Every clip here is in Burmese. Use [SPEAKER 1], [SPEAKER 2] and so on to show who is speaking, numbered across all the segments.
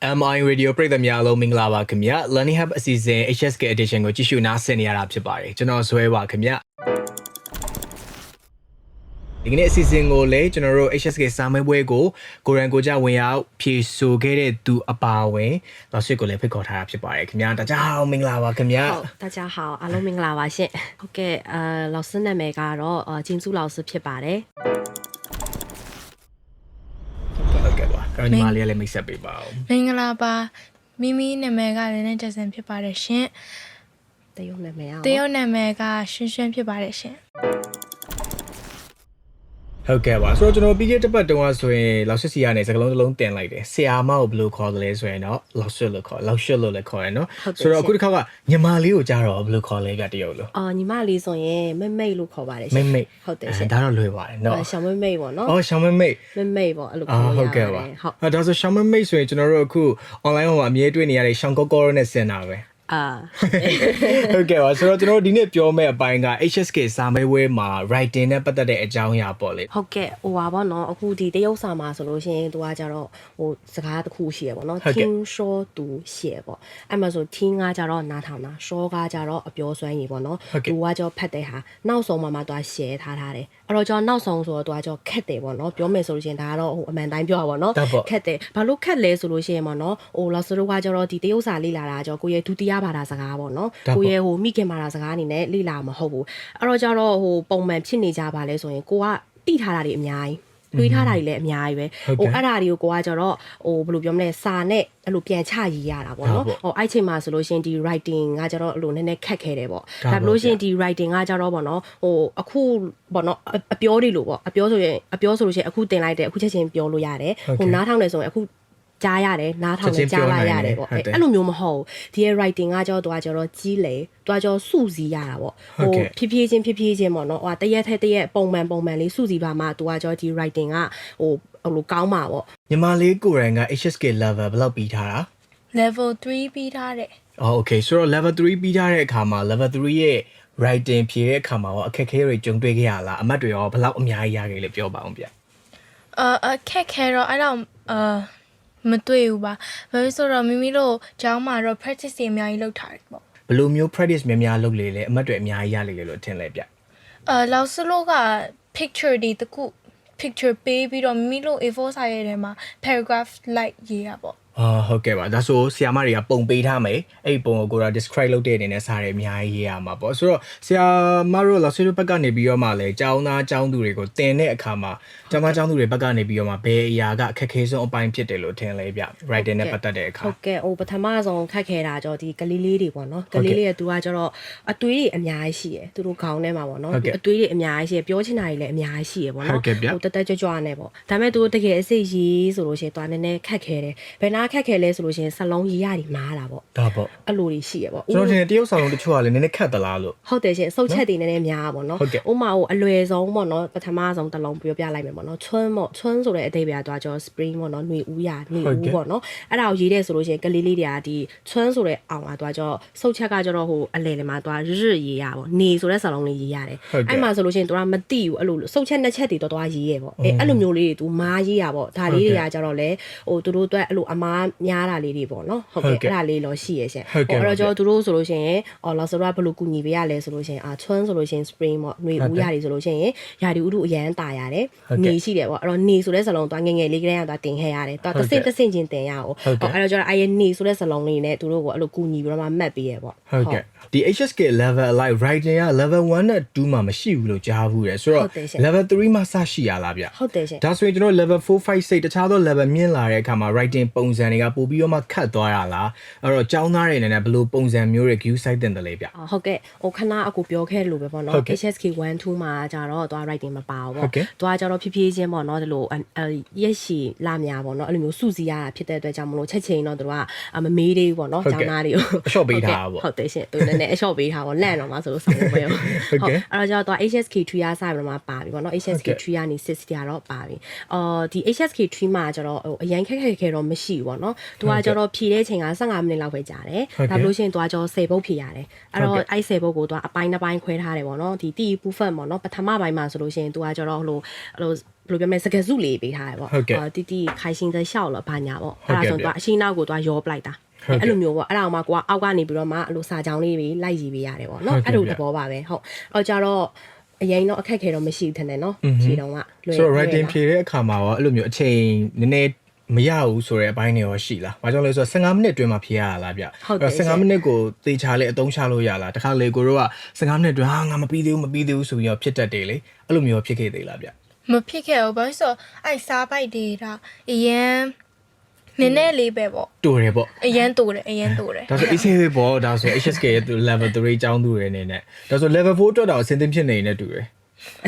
[SPEAKER 1] MI Radio ပရိသတ်များလုံးမင်္ဂလာပါခင်ဗျာ Learning Hub အစီအစဉ် HSK Edition ကိုကြည့်ရှုနားဆင်နေရတာဖြစ်ပါတယ်ကျွန်တော်ဇွဲပါခင်ဗျာဒီကနေ့အစီအစဉ်ကိုလည်းကျွန်တော်တို့ HSK စာမေးပွဲကိုကိုရန်ကိုကြဝင်ရောက်ဖြေဆိုခဲ့တဲ့သူအပါအဝင်老师ကိုလည်းဖိတ်ခေါ်ထားတာဖြစ်ပါတယ်ခင်ဗျာ大家好မင်္ဂလာပါခင်ဗျာ
[SPEAKER 2] ဟုတ်大家好အားလုံးမင်္ဂလာပါရှင်ဟုတ်ကဲ့老师နာမည်ကတော့ကျင်းစု老师ဖြစ်ပါတယ်
[SPEAKER 1] အဲ့ဒီမှာလေးလည်းမိတ်ဆက်ပေးပါဦး
[SPEAKER 3] မင်္ဂလာပါမိမိနာမည်ကလည်းနဲ့တက်ဆန်ဖြစ်ပါတယ်ရှင်
[SPEAKER 2] တရုတ်နာမည်
[SPEAKER 3] တရုတ်နာမည်ကရွှင်ရွှင်ဖြစ်ပါတယ်ရှင်
[SPEAKER 1] ဟုတ်ကဲ့ပါဆိုတော့ကျွန်တော်ပြီးခဲ့တဲ့ပတ်တုန်းကဆိုရင်လောက်ရှစ်စီကနေစကလုံးတစ်လုံးတင်လိုက်တယ်ဆရာမကိုဘယ်လိုခေါ်တယ်လဲဆိုရင်တော့လောက်ရှစ်လို့ခေါ်လောက်ရှစ်လို့လည်းခေါ်ရနော်ဆိုတော့အခုတစ်ခါကညီမလေးကိုကြားတော့ဘယ်လိုခေါ်လဲကတရုတ်လို့
[SPEAKER 2] ညီမလေးဆိုရင်မိတ်လို့ခေါ်ပါတယ်ရှင်
[SPEAKER 1] မိတ်
[SPEAKER 2] ဟုတ်တယ်ရှင်
[SPEAKER 1] ဒါတော့လွယ်ပါတယ်နော်
[SPEAKER 2] ရှောင်းမိတ်ပေါ့နော်
[SPEAKER 1] ရှောင်းမိတ်
[SPEAKER 2] ပေါ့အဲ့လိုခေါ်ရ
[SPEAKER 1] ဟုတ်ကဲ့ပါဟုတ်ဒါဆိုရှောင်းမိတ်ဆိုရင်ကျွန်တော်တို့အခု online မှာအမြဲတွေ့နေရတဲ့ရှောင်းကောကောနဲ့ဆင်တာပဲဟုတ်ကဲ့ပါဆိုတော့ကျွန်တော်ဒီနေ့ပြောမယ့်အပိုင်းက HSK စာမေးပွဲမှာ writing နဲ့ပတ်သက်တဲ့အကြောင်းအရာပေါ့လေ
[SPEAKER 2] ဟုတ်ကဲ့ဟိုပါပေါ့နော်အခုဒီတရုတ်စာမှာဆိုလို့ရှိရင်သူကကြတော့ဟိုစကားတစ်ခုရှိရပေါ့နော်听说读写ပေါ့အဲ့မှာဆို听ကကြတော့နားထောင်တာ说ကကြတော့အပြောစွမ်းရည်ပေါ့နော်သူကကြတော့ဖတ်တဲ့ဟာနောက်ဆုံးမှာသူက share ထားတယ်အဲ့တော့ကျွန်တော်နောက်ဆုံးဆိုတော့သူကကြတော့ခက်တယ်ပေါ့နော်ပြောမယ်ဆိုလို့ရှိရင်ဒါကတော့ဟိုအမှန်တိုင်းပြောရပါတော့ခက်တယ်ဘာလို့ခက်လဲဆိုလို့ရှိရင်ပေါ့နော်ဟိုလောဆတို့ကကြတော့ဒီတရုတ်စာလေ့လာတာကြတော့ကိုရဲ့ဒုတိယဘာသာစကားပေါ့နော်ကိုရဲ့ဟိုမိခင်ဘာသာစကားအနေနဲ့လေ့လာမဟုတ်ဘူးအဲ့တော့ကြတော့ဟိုပုံမှန်ဖြစ်နေကြပါလဲဆိုရင်ကိုကတိထားတာတွေအများကြီးတွေးထားတာတွေလည်းအများကြီးပဲဟိုအဲ့ဒါတွေကိုကိုကကြတော့ဟိုဘယ်လိုပြောမလဲစာနဲ့အဲ့လိုပြန်ချရေးရတာပေါ့နော်ဟိုအဲ့ချိန်မှာဆိုလို့ရှိရင်ဒီ writing ကကြတော့အဲ့လိုနည်းနည်းခက်ခဲတယ်ပေါ့ဒါလို့ရှိရင်ဒီ writing ကကြတော့ပေါ့နော်ဟိုအခုပေါ့နော်အပြောတွေလို့ပေါ့အပြောဆိုလို့ရှိရင်အခုတင်လိုက်တယ်အခုချက်ချင်းပြောလို့ရတယ်ဟိုနားထောင်တယ်ဆိုရင်အခုကြားရတယ်နားထောင်နေကြားလိုက်ရတယ်ပေါ့အဲ့လိုမျိုးမဟုတ်ဒီရဲ့ writing ကကြောတော့ကြီးလေတွားကြောစုစည်းရတာပေါ့ဟိုဖြည်းဖြည်းချင်းပေါ့နော်ဟိုတရက်ထက်တရက်ပုံမှန်လေးစုစည်းပါမှတွားကြောဒီ writing ကဟိုလိုကောင်းမှာပေါ့
[SPEAKER 1] ညီမလေးကိုရန်က HSK level ဘယ်လောက်ပြီးထားတာ
[SPEAKER 3] level 3ပြီးထားတယ်
[SPEAKER 1] okay ဆိုတော့ level 3ပြီးထားတဲ့အခါမှာ level 3ရဲ့ writing ဖြေတဲ့အခါမှာရောအခက်အခဲတွေကြုံတွေ့ခဲ့ရလားအမှတ်တွေရောဘယ်လောက်အများကြီးရခဲ့လဲပြောပါအောင်ဗျ
[SPEAKER 3] အခက်ခဲတော့အဲ့တော့မတွေ့ဘူးပါဘာလို့ဆိုတော့မိမိတို့ကျောင်းမှာတော့ practice တွေအများကြီးလုပ်ထားတယ်ပေါ့
[SPEAKER 1] ဘယ်လိုမျိုး practice များများလုပ်လေလဲအမှတ်တွေအများကြီးရလေလို့ထင်လဲဗျ
[SPEAKER 3] လောက်စလို့က picture တွေတခု picture ပေးပြီးတော့မိမိတို့ A4 စာရဲထဲမှာ paragraph like ရေးတာပေါ့
[SPEAKER 1] ဟုတ်ကဲ့ပါဒါဆိုဆီယာမတွေကပုံပေးထားမယ်အဲ့ဒီပုံကိုကိုယ်က describe လုပ်တဲ့အနေနဲ့စာတွေအများကြီးရေးရမှာပေါ့ဆိုတော့ဆီယာမတို့လောက်ဆွေးဘက်ကနေပြီးတော့မှလဲကျောင်းသားကျောင်းသူတွေကိုတင်တဲ့အခါမှာကျောင်းသားကျောင်းသူတွေဘက်ကနေပြီးတော့မှဘယ်အရာကအခက်ခဲဆုံးအပိုင်းဖြစ်တယ်လို့ထင်လဲဗျ writing နဲ့ပတ်သက်တဲ့အခါ
[SPEAKER 2] ဟုတ်ကဲ့ဟိုပထမဆုံးခက်ခဲတာကြောဒီကလေးလေးတွေပေါ့နော်ကလေးလေးကသူကကျတော့အသွေးတွေအများကြီးရှိရယ်သူတို့ခေါင်းထဲမှာပေါ့နော်အသွေးတွေအများကြီးရှိရယ်ပြောချင်တာတွေလည်းအများကြီးရှိရယ်ပေါ့နော်ဟိုတက်ကြွနဲ့ပေါ့ဒါပေမဲ့သူတို့တကယ်အစိတ်ရေးဆိုလို့ရှိရင်တွားနည်းနည်းခက်ခဲတယ်ဘယ်နာခက်ခဲလဲဆိုလို့ရှိရင်စလုံးရေးရတယ်မားတာပေါ့
[SPEAKER 1] ဒါပေါ့
[SPEAKER 2] အဲ့လိုတွေရှိရပေါ့
[SPEAKER 1] ကျွန်တော်ထင်တယ်တရုတ်ဆောင်လုံးတချို့ကလည်းနည်းနည်းခက်သလားလို့
[SPEAKER 2] ဟုတ်တယ်ရှင်စုပ်ချက်တွေနည်းနည်းများပေါ့နော်ဥမာဟိုအလွယ်ဆုံးပေါ့နော်ပထမဆုံးတစ်လုံးပြောပြလိုက်မယ်ပေါ့နော်ချွန်းဆိုတဲ့အဓိပ္ပာယ်သွားကြော spring ပေါ့နော်ຫນွေဦးရຫນွေဦးပေါ့နော်အဲ့ဒါကိုရေးတဲ့ဆိုလို့ရှိရင်ကလေးလေးတွေကဒီချွန်းဆိုတဲ့အောင်ကသွားကြောစုပ်ချက်ကကျတော့ဟိုအလယ်ထဲမှာသွားရရေးရပေါ့နေဆိုတဲ့စလုံးလေးရေးရတယ်အဲ့မှာဆိုလို့ရှိရင်သူကမသိဘူးအဲ့လိုစုပ်ချက်နှစ်ချက်တွေတော့ရေးရပေါ့အဲ့လိုမျိုးလေးတွေသူမားရေးရပေါ့ဒါလေးတွေကကျတော့လေဟိုသူတို့အတွက်အဲ့လိုအမားများတာလေးတွေပေါ့နော်ဟုတ်ကဲ့အဲ့ဒါလေးတော့ရှိရရှင်အဲ့တော့ကျွန်တော်တို့ဆိုလို့ရှိရင်လောက်ဆိုတော့ဘယ်လိုကူညီပေးရလဲဆိုလို့ရှိရင်ချွန်းဆိုလို့ရှိရင် spring ပေါ့ຫນွေဦးရတယ်ဆိုလို့ရှိရင်ရာဒီဥတုအရန်တာရတယ်နေရှိတယ်ပေါ့အဲ့တော့နေဆိုတဲ့စလုံးသွားငယ်လေးကလေးကသွားတင်ခဲ့ရတယ်သွားတစ်စင့်ချင်းတင်ရအောင်အဲ့တော့ကျွန်တော်အဲ့ရနေဆိုတဲ့စလုံးလေးနဲ့သူတို့ကိုအဲ့လိုကူညီပြီးတော့မှမှတ်ပေးရပေါ့
[SPEAKER 1] ဟုတ်ကဲ့ဒီ HSK level like writing က level 1နဲ့2မှာမရှိဘူးလို့ကြားဘူးတယ်ဆိုတော့ level 3မှာစရှိရလားဗျ
[SPEAKER 2] ဟုတ်တယ်ရှင်
[SPEAKER 1] ဒါဆိုရင်ကျွန်တော် level 4 5 6တခြားသော level မြင့်လာတဲ့အခါမှာ writing ပုံစံတွေကပို့ပြီးတော့မှခတ်သွားရလားအဲ့တော့ကျောင်းသားတွေအနေနဲ့ဘယ်လိုပုံစံမျိုးတွေ view site တင်တယ်လဲဗျ
[SPEAKER 2] ဟုတ်ကဲ့ဟိုခဏအခုပြောခဲ့လို့ပဲပေါ့နော် HSK 1 2မှာကြတော့သွား writing မပါဘူးပေါ့သွားကြတော့ဖြည်းဖြည်းချင်းပေါ့နော်ဒီလိုရက်ရှည်လာများပေါ့နော်အဲ့လိုမျိုးစုစည်းရတာဖြစ်တဲ့အတွက်ကြောင့်မလို့ချက်ချင်းတော့တို့ကမမေးသေးဘူးပေါ့နော်ကျောင်းသားတွေကို
[SPEAKER 1] အလျှော့ပေးထားပါ
[SPEAKER 2] ဟုတ်တယ်ရှင်သူလည်းအလျှော့ပေးထားပေါ့လန့်တော့မှဆိုလို့ဆောင်လို့ပဲဟုတ်အဲ့တော့ကျတော့ HSK 3ရစပြီးတော့မှပါပြီပေါ့နော် HSK 3ကနေ6ကတော့ပါပြီဒီ HSK 3မှာကျတော့ဟိုအရင်ခက်တော့မရှိဘူးပေါ့ပေါ့နော်သူကကျတော့ဖြည့်တဲ့အချိန်က15မိနစ်လောက်ပဲကြာတယ်ဒါလို့ရှိရင်သူကကျတော့10ပုတ်ဖြည့်ရတယ်အဲ့တော့အဲ့10ပုတ်ကိုသူကအပိုင်းတစ်ပိုင်းခွဲထားတယ်ပေါ့နော်ဒီတီပူဖတ်ပေါ့နော်ပထမပိုင်းမှာဆိုလို့ရှိရင်သူကကျတော့ဟိုဘယ်လိုပြောမလဲစကားစုလေးပေးထားတယ်ပေါ့တီခိုင်ရှင်တဲ့ရှောက်လို့ဘာညာပေါ့အဲ့ဒါဆိုသူကအရှိနောက်ကိုသူကရောပလိုက်တာအဲ့လိုမျိုးပေါ့အဲ့ဒါမှကိုကအောက်ကနေပြီးတော့မှအဲ့လိုစာကြောင်းလေးတွေလိုက်စီပေးရတယ်ပေါ့နော်အဲ့လိုသဘောပါပဲဟုတ်အော်ကြတော့အရင်တော့အခက်ခဲတော့မရှိဘူးထင်တယ်နော်ခြေတော့ကလွယ်
[SPEAKER 1] ဆိုတော့ writing ဖြေတဲ့အခါမှာရောအဲ့လိုမျိုးအချိန်နည်းနည်းမရဘူးဆိုတဲ့အပိုင်းတွေရောရှိလား။ဘာကြောင့်လဲဆိုတော့15မိနစ်အတွင်းမှာဖြေရတာလားဗျ။အဲ့တော့15မိနစ်ကိုသေချာလေးအသုံးချလို့ရလား။တခါလေကိုတို့က15မိနစ်အတွင်းငါမပြီးသေးဘူးဆိုပြီးတော့ဖြစ်တတ်တယ်လေ။အဲ့လိုမျိုးဖြစ်ခဲ့သေးလားဗျ။
[SPEAKER 3] မဖြစ်ခဲ့ဘူးဘာလို့ဆိုအဲ့စားပိုက်တွေဒါအရင်နည်းနည်းလေးပဲပေါ့
[SPEAKER 1] တူတယ်ပေါ့
[SPEAKER 3] အရင်တူတယ်
[SPEAKER 1] ဒါဆို ECV ပေါ့ဒါဆို HSK ရဲ့ level 3ကျောင်းသူတွေအနေနဲ့ဒါဆို level 4အတွက်တော့အဆင်သင့်ဖြစ်နေနေတူတယ်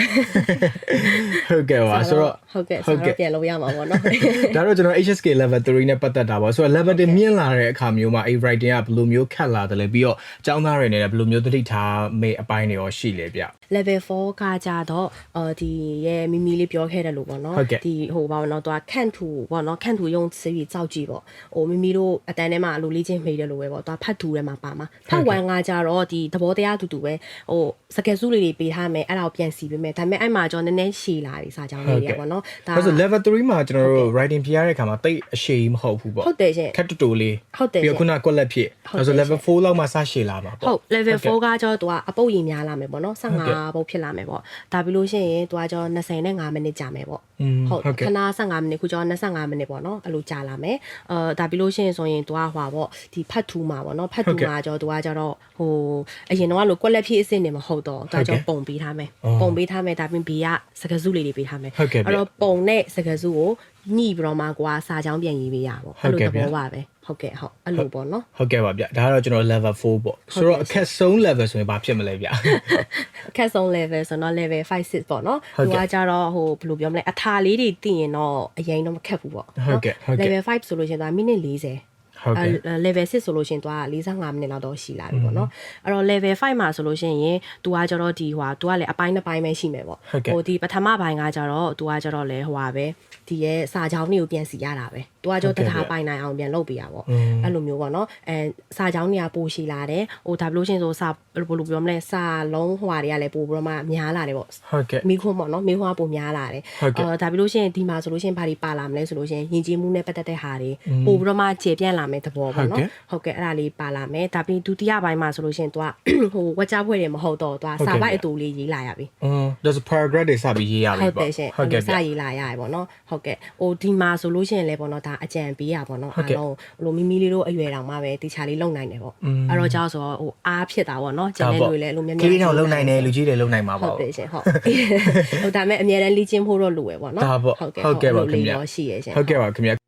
[SPEAKER 1] ဟုတ်ကဲ့ပါဆိုတော့
[SPEAKER 2] ဟုတ်ကဲ့ဆိုတော့ပြန်လို့ရမှာပေါ့နော်
[SPEAKER 1] ဒါတော့ကျွန်တော် HSK level 3နဲ့ပတ်သက်တာပေါ့ဆိုတော့ level 1မြင့်လာတဲ့အခါမျိုးမှာ writing ကဘယ်လိုမျိုးခက်လာတယ်လဲပြီးတော့ကျောင်းသားတွေနဲ့ဘယ်လိုမျိုးသတိထားမေးအပိုင်းတွေရောရှိလဲဗျ
[SPEAKER 2] level 4ကကြတော့ဒီရဲ့မီမီလေးပြောခဲ့တယ်လို့ပေါ့နော်ဒီဟိုဘာလို့တော့သူကခန့်ထူပေါ့နော်ခန့်ထူ用词语造句ပေါ့ဟိုမီမီတို့အတန်းထဲမှာအလိုလေးချင်းမိတယ်လို့ပဲပေါ့သူကဖတ်ထူထဲမှာပါမှာဖတ်1ကကြတော့ဒီသဘောတရားတူတူပဲဟိုစကယ်စုလေးတွေပေးထားမယ်အဲ့ဒါကိုပြန်စီပေးမယ်ဒါပေမဲ့အဲ့မှာကျွန်တော်နည်းနည်းရှည်လာပြီစာကြောင်းလေးတွေပေါ့နော်
[SPEAKER 1] ဒါဆို level 3မှာကျွန်တော်တို့ writing ပြရတဲ့အခါမှာတိတ်အရှည်မဟုတ်ဘူးပေါ့
[SPEAKER 2] ဟုတ်တယ်ရှင်
[SPEAKER 1] ခက်တူတူလေး
[SPEAKER 2] ဟုတ်တယ်
[SPEAKER 1] ပြီးတော့ခုနကွက်လက်ဖြစ်ဒါဆို level 4လောက်မှစရှည်လာမှာပေါ့
[SPEAKER 2] ဟုတ် level 4ကကျတော့သူကအပုတ်ရင်များလာမယ်ပေါ့နော်15ပုတ်ဖြစ်လာမယ်ပေါ့ဒါပြီးလို့ရှိရင်သူကကျတော့25မိနစ်ကြာမယ်ပေါ့ဟုတ်ခဏ15မိနစ်ခုကျတော့25မိနစ်ပေါ့နော်အဲ့လိုကြာလာမယ်ဒါပြီးလို့ရှိရင်ဆိုရင်သူကဟွာပေါ့ဒီဖတ်ထူမှာပေါ့နော်ဖတ်ထူမှာကျတော့သူကကျတော့ဟိုအရင်တော့လို့ကွက်လက်ဖြစ်အစ်စ်နေမဟုတ်တော့သူကကျတော့ပုံပေးထားမယ်ပုံပေးထားမယ်ဒါပြီးဘီကစကားစုလေးတွေပေးထားမယ်အဲ့တော့ပုံနဲ့စကားစုကိုညှိပြီးတော့မှကိုကစာကြောင်းပြန်ရေးပေးရပေါ့အဲ့လိုသဘောပါပဲဟုတ်ကဲ့ဟုတ်အဲ့လိုပေါ့နော်
[SPEAKER 1] ဟုတ်ကဲ့ပါဗျဒါကတော့ကျွန်တော် level 4ပေါ့ဆိုတော့အခက်ဆုံး level ဆိုရင်ဘာဖြစ်မလဲဗျ
[SPEAKER 2] အခက်ဆုံး level ဆိုတော့ level 5 6ပေါ့နော်သူကကြတော့ဟိုဘယ်လိုပြောမလဲအထာလေးတွေသိရင်တော့အရင်တော့မခက်ဘူးပေါ့
[SPEAKER 1] ဟုတ်ကဲ့
[SPEAKER 2] level 5ဆိုလို့ရှိရင်သူကမိနစ်40
[SPEAKER 1] ဟုတ်ကဲ့
[SPEAKER 2] level 6ဆိုလို့ရှိရင်သူက45မိနစ်လောက်တော့ရှိလာပြီပေါ့နော်အဲ့တော့ level 5မှာဆိုလို့ရှိရင်သူကကြတော့ဒီဟိုသူကလည်းအပိုင်းတစ်ပိုင်းပဲရှိမယ်ပေါ့ဟိုဒီပထမပိုင်းကကြတော့သူကကြတော့လေဟိုပါပဲဒီရဲ့စာကြောင်းတွေကိုပြန်စီရတာပဲသူကကြတော့တထားပိုင်နိုင်အောင်ပြန်လုပ်ပေးရပေါ့အဲ့လိုမျိုးပေါ့နော်စာကြောင်းတွေကပိုရှိလာတယ်ဟိုဒါဘလို့ရှင်ဆိုစာဘယ်လိုပြောမလဲစာလုံးဟွာတွေကလည်းပိုပြီးတော့မှများလာတယ်ပေါ့
[SPEAKER 1] ဟုတ်ကဲ့
[SPEAKER 2] မိခွန်းပေါ့နော်မိခွန်းကပိုများလာတယ်ဒါပြီးလို့ရှင်ဒီမှာဆိုလို့ရှင်ဘာတွေပါလာမလဲဆိုလို့ရှင်ယဉ်ကျေးမှုနဲ့ပတ်သက်တဲ့ဟာတွေပိုပြီးတော့မှကျေပြန့်လာမယ်သဘောပေါ့နော်ဟုတ်ကဲ့အဲ့ဒါလေးပါလာမယ်ဒါပြီးဒုတိယပိုင်းမှာဆိုလို့ရှင်သူကဟိုဝက်ကြားဖွဲ့တွေမဟုတ်တော့သူကစာပိုက်အတူလေးရေးလာရပြီ
[SPEAKER 1] ဒါဆို paragraph တွေစပြီးရေးရပြီပေါ့
[SPEAKER 2] ဟုတ်တယ်ရှင်ဟုတ်ကဲ့စရေးလာရတယ်ပေါ့နော်ဟုတ်ကဲ့ဟိုဒီမှာဆိုလို့ရှင်လည်းပေါ့နော်ဒါအကြံပေးရပေါ့နော်အားလုံးဟိုမီမီလေးတို့အရွယ်တောင်မှပဲတီချာလေးလုံနိုင်တယ်ပေါ့အဲ့တော့ကြောက်ဆိုဟိုအားဖြစ်တာပေါ့နော်ကျန်တဲ့လူတွေလည်းအဲ့လိုများများ
[SPEAKER 1] ကြီးတောင်လုံနိုင်တယ်လူကြီးတွေလုံနိုင်မှာပေါ့
[SPEAKER 2] ဟုတ်တယ်ရှင်ဟုတ်ဟိုဒါမဲ့အများတန်းလေ့ကျင့်ဖို့တော့လိုရပေါ့နော်
[SPEAKER 1] ဟုတ်ကဲ့ပါခင်ဗျာ
[SPEAKER 2] ရှိရရှင်
[SPEAKER 1] ဟုတ်ကဲ့ပါခင်ဗျာ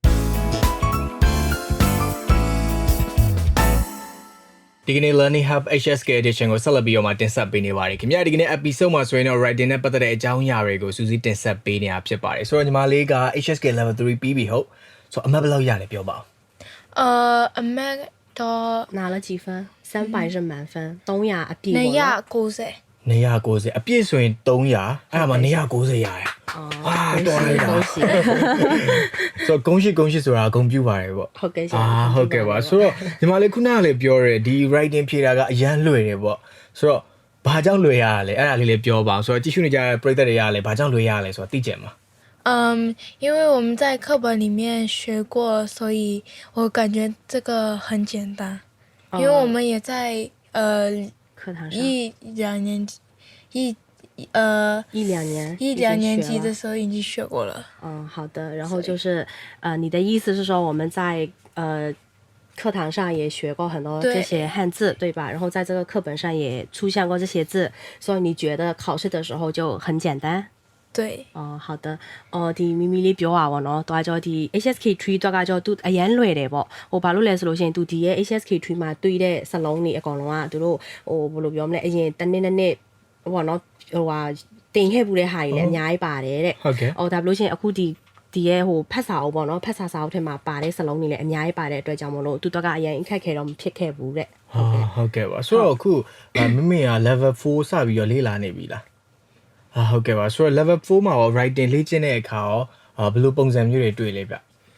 [SPEAKER 1] ဒီကနေ့ Learning Hub HSK Edition ကိုဆက်လက်ပြီးတော့မှတင်ဆက်ပေးနေပါတယ်ခင်ဗျာဒီကနေ့ episode မှာဆိုရင်တော့ writing နဲ့ပတ်သက်တဲ့အကြောင်းအရာတွေကိုစူးစီးတင်ဆက်ပေးနေတာဖြစ်ပါတယ်ဆိုတော့ညီမလေးက HSK level 3ပြီးပြီဟုတ်ဆိုတော့အမှတ်ဘယ်လောက်ရလဲပြောပါဦး
[SPEAKER 3] အမှတ်တော့
[SPEAKER 2] 拿了几分300是满分300အပြည့်ပေါ့
[SPEAKER 3] 290
[SPEAKER 1] 290အပြည့်ဆိုရင်300အဲ့ဒါမှ290ရတယ်
[SPEAKER 2] အာတော်လိုက်တာ
[SPEAKER 1] ဆိုတော့ဂုဏ်ရှိဆိုတာဂုဏ်ပြုပါတယ်ပေါ့
[SPEAKER 2] ဟုတ်ကဲ့
[SPEAKER 1] ဟုတ်ကဲ့ပါဆိုတော့ညီမလေးခုနကလည်းပြောရဲဒီ writing ဖြေတာကအရန်လွယ်တယ်ပေါ့ဆိုတော့ဘာကြောင့်လွယ်ရလဲအဲ့ဒါလေးလည်းပြောပါအောင်ဆိုတော့ကြည့်ရှုနေကြတဲ့ပရိသတ်တွေကလည်းဘာကြောင့်လွယ်ရလဲဆိုတော့သိကြမှာ
[SPEAKER 3] 因为我们在课本里面学过，所以我感觉这个很简单。因为我们也在
[SPEAKER 2] 课堂上
[SPEAKER 3] 一两年级的时候已经学过了。
[SPEAKER 2] 好的。然后就是你的意思是说我们在课堂上也学过很多这些汉字，对吧？然后在这个课本上也出现过这些字，所以你觉得考试的时候就很简单？
[SPEAKER 3] 對
[SPEAKER 2] 好的ဒီမီမီလေးပြောပါဘောနော်တွားကြောဒီ HSK3 တွားကကြောသူအရန်လွယ်တယ်ပေါ့ဟိုဘာလို့လဲဆိုလို့ရှိရင်သူဒီရဲ့ HSK3 မှာတွေ့တဲ့စလုံးတွေအကောင်လုံးကသူတို့ဟိုဘယ်လိုပြောမလဲအရင်တစ်နှစ်ဘောနော်ဟိုဟာတင်ခဲ့ပူတဲ့ဟာတွေလည်းအများကြီးပါတယ်တဲ့ဒါဘလို့ရှိရင်အခုဒီရဲ့ဟိုဖတ်စာအုပ်ပေါ့နော်ဖတ်စာစာအုပ်ထဲမှာပါတဲ့စလုံးတွေလည်းအများကြီးပါတဲ့အတွက်ကြောင့်မလို့သူတော့ကအရင်အခက်ခဲတော့မဖြစ်ခဲ့ဘူးတဲ့
[SPEAKER 1] ဟုတ်ကဲ့ပါဆိုတော့အခုမိမိက level 4စပြီးတော့လေ့လာနေပြီလားဟုတ်ကဲ့ပါဆိုတော့ level 4မှာရော writing လေ့ကျင့်တဲ့အခါရောဘယ်လိုပုံစံမျိုးတွေတွေ့လဲဗျ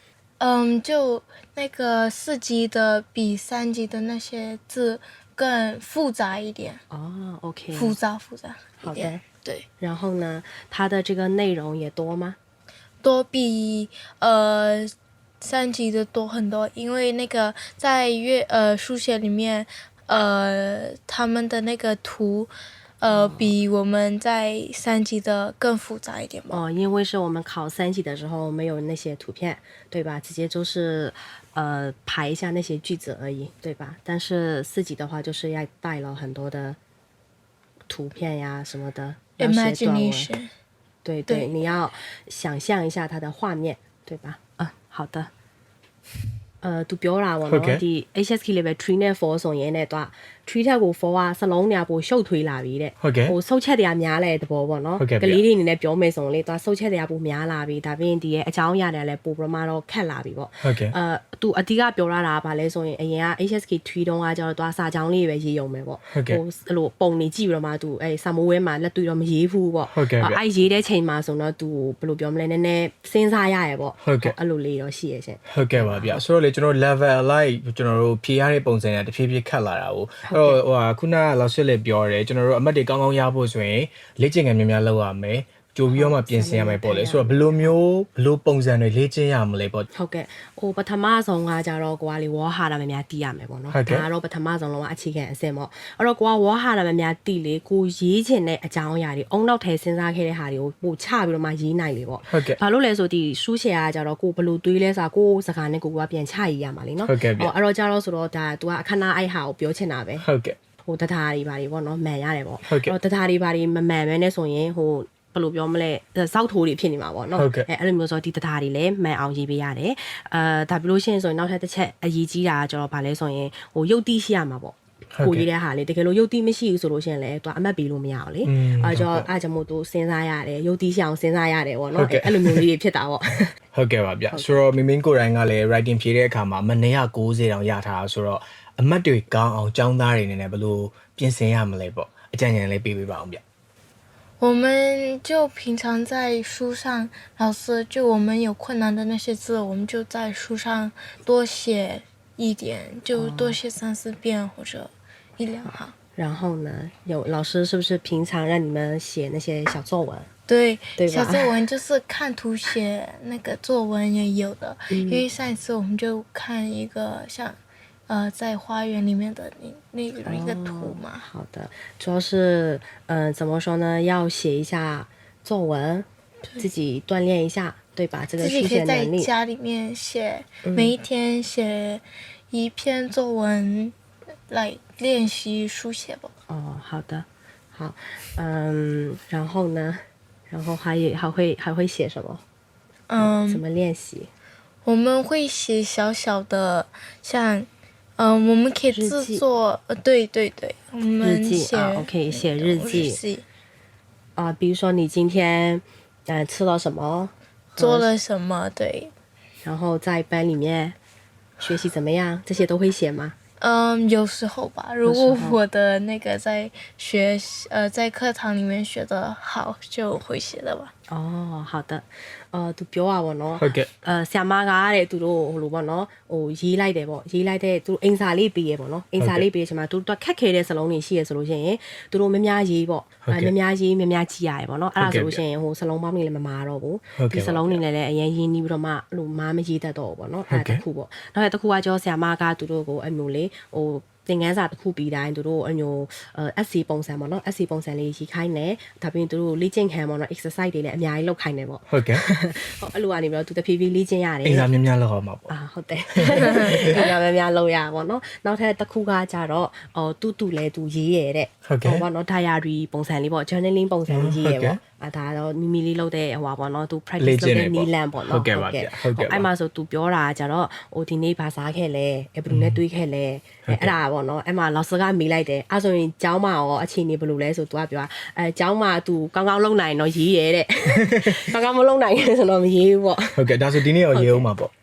[SPEAKER 3] 就那个4级的比3级的那些字更复杂一点，
[SPEAKER 2] 哦，OK，
[SPEAKER 3] 复杂一
[SPEAKER 2] 好
[SPEAKER 3] 点。
[SPEAKER 2] 的。
[SPEAKER 3] 对，
[SPEAKER 2] 然后呢，它的这个内容也多吗？
[SPEAKER 3] 多比3级的多很多，因为那个在书写里面，他们的那个图，比我们在3级的更复杂一点吧。
[SPEAKER 2] 哦，因为是我们考3级的时候没有那些图片，对吧？直接就是排一下那些句子而已，对吧？但是4级的话，就是要带了很多的图片呀什么的，要写短文。
[SPEAKER 3] Imagination，
[SPEAKER 2] 对，
[SPEAKER 3] 对
[SPEAKER 2] 你要想象一下它的画面，对吧？好的。သူပြောတာပေါ့နော်ဒီ HSK level 3နဲ့4ဆိုရင်တဲ့သူက3ထက်ကို4ကစလုံးတွေကပိုရှုပ်ထွေးလာပြီတဲ့
[SPEAKER 1] ဟုတ်ကဲ့
[SPEAKER 2] ဟိုဆုတ်ချက်တွေကများလဲတဘောပေါ့နော်
[SPEAKER 1] ဟုတ်ကဲ့ဗျ
[SPEAKER 2] ကလေးတွေအနေနဲ့ပြောမယ်ဆိုရင်လေသူကဆုတ်ချက်တွေကပိုများလာပြီဒါပြင်ဒီရဲ့အကြောင်းအရာတွေကလည်းပိုပြမတော့ခက်လာပြီပေါ့
[SPEAKER 1] ဟုတ်ကဲ့
[SPEAKER 2] သူအတိကပြောရတာကဘာလဲဆိုရင်အရင်က HSK 3တုန်းကကျတော့သူကစာကြောင်းလေးပဲရေးရုံပဲပေါ့
[SPEAKER 1] ဟုတ်ကဲ့
[SPEAKER 2] အဲ့လိုပုံနေကြည့်ပြီးတော့မှသူအဲ့စာမိုးဝဲမှာလက်တွေ့တော့မရေးဘူးပေါ့
[SPEAKER 1] ဟုတ်ကဲ့ဗျ
[SPEAKER 2] အဲ့ရေးတဲ့ချိန်မှာဆိုတော့သူဘယ်လိုပြောမလဲနည်းနည်းစဉ်းစားရရပေါ့
[SPEAKER 1] ဟုတ်ကဲ့
[SPEAKER 2] အဲ့လိုလေးတော့ရှိရရှင်
[SPEAKER 1] ဟုတ်ကဲ့ပါဗျဆိုတော့လေကျွန်တော် level like ကျွန်တော်တို့ဖြေရတဲ့ပုံစံကတဖြည်းဖြည်းခတ်လာတာကိုအဲ့တော့ဟိုဟာခုနကလောက်ရှစ်လေးပြောတယ်ကျွန်တော်တို့အမှတ်တွေကောင်းကောင်းရဖို့ဆိုရင်လေ့ကျင့်ခန်းများများလုပ်ရမယ်ကြိုပြီးတော့မှပြင်ဆင်ရမယ်ပေါ့လေဆိုတော့ဘယ်လိုပုံစံတွေလေ့ကျင့်ရမလဲပေါ့
[SPEAKER 2] ဟုတ်ကဲ့ဟိုပထမဆုံးကကြတော့ကိုကလေဝါဟာရမများတီးရမယ်ပေါ့နော်
[SPEAKER 1] ဟုတ်ကဲ့
[SPEAKER 2] ဒါကတော့ပထမဆုံးလုံးဝအခြေခံအဆင့်ပေါ့အဲ့တော့ကိုကဝါဟာရမများတီးလေကိုရေးချင်တဲ့အကြောင်းအရာတွေအုံနောက်ထဲစဉ်းစားခဲ့တဲ့ဟာတွေကိုပို့ချပြီးတော့မှရေးနိုင်လေပေါ့
[SPEAKER 1] ဟုတ်ကဲ့
[SPEAKER 2] ဘာလို့လဲဆိုဒီစူးရှယ်ကကြတော့ကိုဘယ်လိုတွေးလဲဆိုတာကိုစကားနဲ့ကိုကပြန်ချရေးရမှာလေနော်
[SPEAKER 1] ဟုတ်ကဲ့ဗျ
[SPEAKER 2] အဲ့တော့ကြတော့ဆိုတော့ဒါ तू ကအခဏအိုက်ဟာကိုပြောချင်တာပဲ
[SPEAKER 1] ဟုတ်ကဲ့
[SPEAKER 2] ဟိုတထားတွေဘာတွေပေါ့နော်မှန်ရတယ်ပေါ့
[SPEAKER 1] ဟုတ်ကဲ့
[SPEAKER 2] တော့တထားတွေဘာတွေမမှန်ပဲနဲ့ဆိုရင်ဟိုဘယ်လိုပြောမလဲစောက်ထိုးတွေဖြစ်နေမှာပေါ့နော်
[SPEAKER 1] ဟုတ်ကဲ့
[SPEAKER 2] အဲ့လိုမျိုးဆိုဒီတထားတွေလည်းမှန်အောင်ရေးပေးရတယ်ဒါပြီးလို့ရှိရင်ဆိုရင်နောက်ထပ်တစ်ချက်အရေးကြီးတာကကျတော့ဗာလဲဆိုရင်ဟိုရုပ်တိရှိရမှာပေါ့
[SPEAKER 1] ဟုတ်ကဲ့
[SPEAKER 2] ကိုရေးတဲ့ဟာလေတကယ်လို့ရုပ်တိမရှိဘူးဆိုလို့ရှိရင်လည်းသူကအမှတ်ပေးလို့မရဘူးလေ အဲ့ကြောင့်အဲ့ကြောင့်မို့သူစဉ်းစားရတယ်ရုပ်တိရှိအောင်စဉ်းစားရတယ်ပေါ့
[SPEAKER 1] ဟုတ်
[SPEAKER 2] နော်
[SPEAKER 1] ကဲ့
[SPEAKER 2] အဲ့လိုမျိုးလေးတွေဖြစ်တာပေါ့
[SPEAKER 1] ဟုတ်ကဲ့ပါဗျဆိုတော့မင်းကိုယ်တိုင်ကလည်း writing ဖြေတဲ့အခါမှာမနေ့က90တောင်ရထားတာဆိုတော့အမှတ်တွေကောင်းအောင်ចောင်းသားတွေနေနဲ့ဘယ်လိုပြင်ဆင်ရမလဲပေါ့အကြံဉာဏ်လေးပေးပေးပါအောင်ဗျ
[SPEAKER 3] 我们就平常在书上，老师就我们有困难的那些字，我们就在书上多写一点，就多写3-4遍或者1-2行。
[SPEAKER 2] 然后呢有老师是不是平常让你们写那些小作文
[SPEAKER 3] 对，
[SPEAKER 2] 对吧
[SPEAKER 3] 小作文就是看图写那个作文也有的，因为上一次我们就看一个像，在花园里面的那一个图嘛。
[SPEAKER 2] 好的，主要是怎么说呢？要写一下作文，自己锻炼一下，对吧？这个书
[SPEAKER 3] 自己可以在
[SPEAKER 2] 写能力。
[SPEAKER 3] 家里面写，每一天写一篇作文来练习书写吧。
[SPEAKER 2] 哦，好的，好，然后呢？然后还会写什么？怎么练习？
[SPEAKER 3] 我们会写小小的，像，我们可以制作，对，我们
[SPEAKER 2] 日记
[SPEAKER 3] 写
[SPEAKER 2] 啊，OK，写日记
[SPEAKER 3] 记，
[SPEAKER 2] 比如说你今天吃了什么，
[SPEAKER 3] 做了什么，对。
[SPEAKER 2] 然后在班里面学习怎么样，这些都会写吗？
[SPEAKER 3] 有时候吧，如果我的那个在在课堂里面学的好，就会写的吧。
[SPEAKER 2] 哦，好的，သူပြောရပါတော့
[SPEAKER 1] ဟုတ်ကဲ့
[SPEAKER 2] ဆ iam မကတဲ့သူတို့ဟိုလိုပေါ့နော်ဟိုရေးလိုက်တယ်ပေါ့ရေးလိုက်တဲ့သူအင်စာလေးပေးရပေါ့နော်အင်စာလေးပေးချင်မှာသူတို့ခက်ခဲတဲ့စလုံးတွေရှိရဆိုလို့ရှိရင်သူတို့များများရေးပေါ့များများရေးများများကြည့်ရတယ်ပေါ့နော်အဲ့ဒါဆိုလို့ရှိရင်ဟိုစလုံးပေါင်းတွေလည်းမမာတော့ဘူးဒီစလုံးတွေလည်းအရင်ရင်းနှီးပြီးတော့မှလို့မားမရေးတတ်တော့ဘူးပေါ့နော်အဲ့ဒါတစ်ခုပေါ့နောက်တစ်ခုကကျော်ဆ iam မကသူတို့ကိုအမျိုးလေးဟိုသင်ခန်းစာတစ်ခုပြီးတိုင်းသူတို့အမျိုးSC ပုံစံပေါ့နော် SC ပုံစံလေးရေးခိုင်းတယ်ဒါပြင်သူတို့လေ့ကျင့်ခန်းပေါ့နော် exercise တွေလည်းအများကြီးလုပ်ခိုင်းတယ်ပေါ့
[SPEAKER 1] ဟုတ်ကဲ့
[SPEAKER 2] ဟုတ်အဲ့လိုကနေပြီးတော့သူတဖြည်းဖြည်းလေ့ကျင့်ရတယ်
[SPEAKER 1] အင်္ဂါများများလောက်အောင်ပါပေါ့
[SPEAKER 2] ဟုတ်တယ်အင်္ဂါများများလုပ်ရပါတော့เนาะနောက်ထပ်တစ်ခုကကြတော့တူလဲတူရေးရတဲ့
[SPEAKER 1] ဟုတ်ကဲ့
[SPEAKER 2] ပေါ့เนาะ diary ပုံစံလေးပေါ့ journaling ပုံစံလေးရေးရပေါ့ဒါတော့မိမိလေးလုပ်တဲ့ဟိုပါပေါ့เนาะသူ practice လုပ်တဲ့ နီလန်ပေါ့เนาะ
[SPEAKER 1] ဟုတ်ကဲ့ပါဗျဟုတ်ကဲ့ပါ
[SPEAKER 2] အဲ့မှာဆိုသူပြောတာကြတော့ဟိုဒီနေ့ဘာစားခဲ့လဲဘယ်လိုနဲ့တွေးခဲ့လဲအဲ့ဒါပေါ့เนาะအဲ့မှာလော်စကမေးလိုက်တယ်အဲ့ဆိုရင်ကျောင်းမှာရောအခြေအနေဘယ်လိုလဲဆိုသူကပြောကျောင်းမှာသူကောင်းကောင်းလုပ်နိုင်တော့ရေးရတဲ့ကောင်းကောင်းမလုပ်နိုင်ဆိုတော့မရေးဘူးပေါ့
[SPEAKER 1] ဟုတ်ကဲ့ဒါဆိုဒီနေ့ရောရေးအောင်ပါပေါ့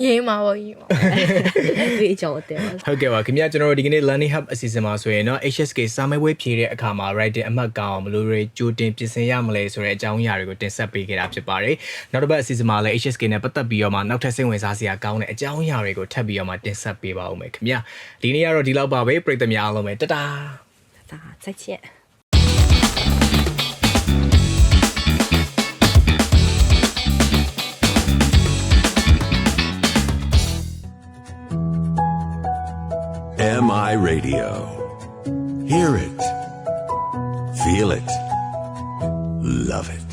[SPEAKER 3] ရေးမှာပေါ့ရေးမှာ
[SPEAKER 2] ဒီအကြောင်းအတယ်ပါ
[SPEAKER 1] ဟုတ်ကဲ့ပါခင်ဗျာကျွန်တော်တို့ဒီကနေ့ Learning Hub အစီအစဉ်မှာဆိုရင်เนาะ HSK စာမေးပွဲဖြေတဲ့အခါမှာ writing အမှတ်ကောင်းအောင်ဘယ်လိုတွေကြိုတင်ပြင်ဆင်ရမလဲဆိုတဲ့အကြောင်းအရာတွေကိုတင်ဆက်ပေးခဲ့တာဖြစ်ပါတယ်နောက်တစ်ပတ်အစီအစဉ်မှာလည်း HSK နဲ့ပတ်သက်ပြီးတော့မှနောက်ထပ်စိတ်ဝင်စားစရာကောင်းတဲ့အကြောင်းအရာတွေကိုထပ်ပြီးတော့မှတင်ဆက်ပေးပါဦးမယ်ခင်ဗျာဒီနေ့ကတော့ဒီလောက်ပါပဲပရိသတ်များအားလုံးပဲတတား
[SPEAKER 2] ဒါ再见
[SPEAKER 4] MI Radio. Hear it. Feel it. Love it.